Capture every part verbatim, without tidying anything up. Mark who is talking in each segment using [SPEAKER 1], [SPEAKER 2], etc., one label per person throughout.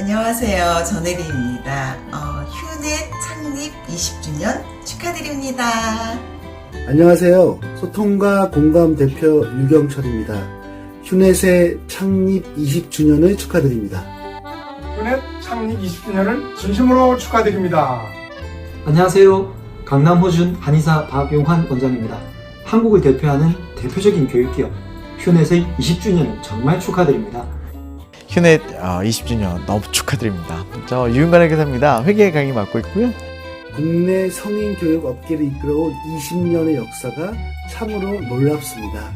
[SPEAKER 1] 안녕하세요. 전혜리입니다. 어, 휴넷 창립 이십 주년 축하드립니다.
[SPEAKER 2] 안녕하세요. 소통과 공감 대표 유경철입니다. 휴넷의 창립 이십 주년을 축하드립니다.
[SPEAKER 3] 휴넷 창립 이십 주년을 진심으로 축하드립니다.
[SPEAKER 4] 안녕하세요. 강남 호준 한의사 박용환 원장입니다. 한국을 대표하는 대표적인 교육기업 휴넷의 이십 주년을 정말 축하드립니다.
[SPEAKER 5] 휴넷 이십 주년 너무 축하드립니다. 저 유윤관 회계사입니다. 회계 강의 맡고 있고요.
[SPEAKER 2] 국내 성인 교육 업계를 이끌어온 이십 년의 역사가 참으로 놀랍습니다.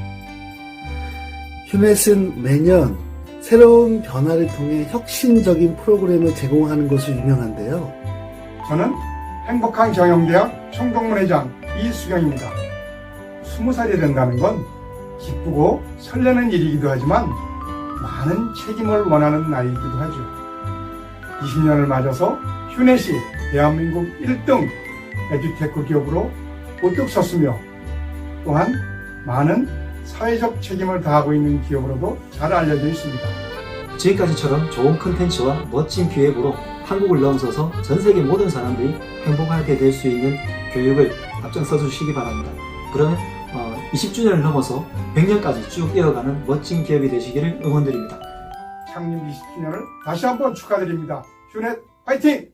[SPEAKER 2] 휴넷은 매년 새로운 변화를 통해 혁신적인 프로그램을 제공하는 것으로 유명한데요.
[SPEAKER 3] 저는 행복한 경영대학 총동문회장 이수경입니다. 스무 살이 된다는 건 기쁘고 설레는 일이기도 하지만 많은 책임을 원하는 나이이기도 하죠. 이십 년을 맞아서 휴넷이 대한민국 일 등 에듀테크 기업으로 우뚝 섰으며 또한 많은 사회적 책임을 다하고 있는 기업으로도 잘 알려져 있습니다.
[SPEAKER 4] 지금까지처럼 좋은 컨텐츠와 멋진 기획으로 한국을 넘어서서 전 세계 모든 사람들이 행복하게 될 수 있는 교육을 앞장서 주시기 바랍니다. 그러면 어, 이십 주년을 넘어서 백 년까지 쭉 이어가는 멋진 기업이 되시기를 응원드립니다.
[SPEAKER 3] 창립 이십 주년을 다시 한번 축하드립니다. 휴넷 화이팅!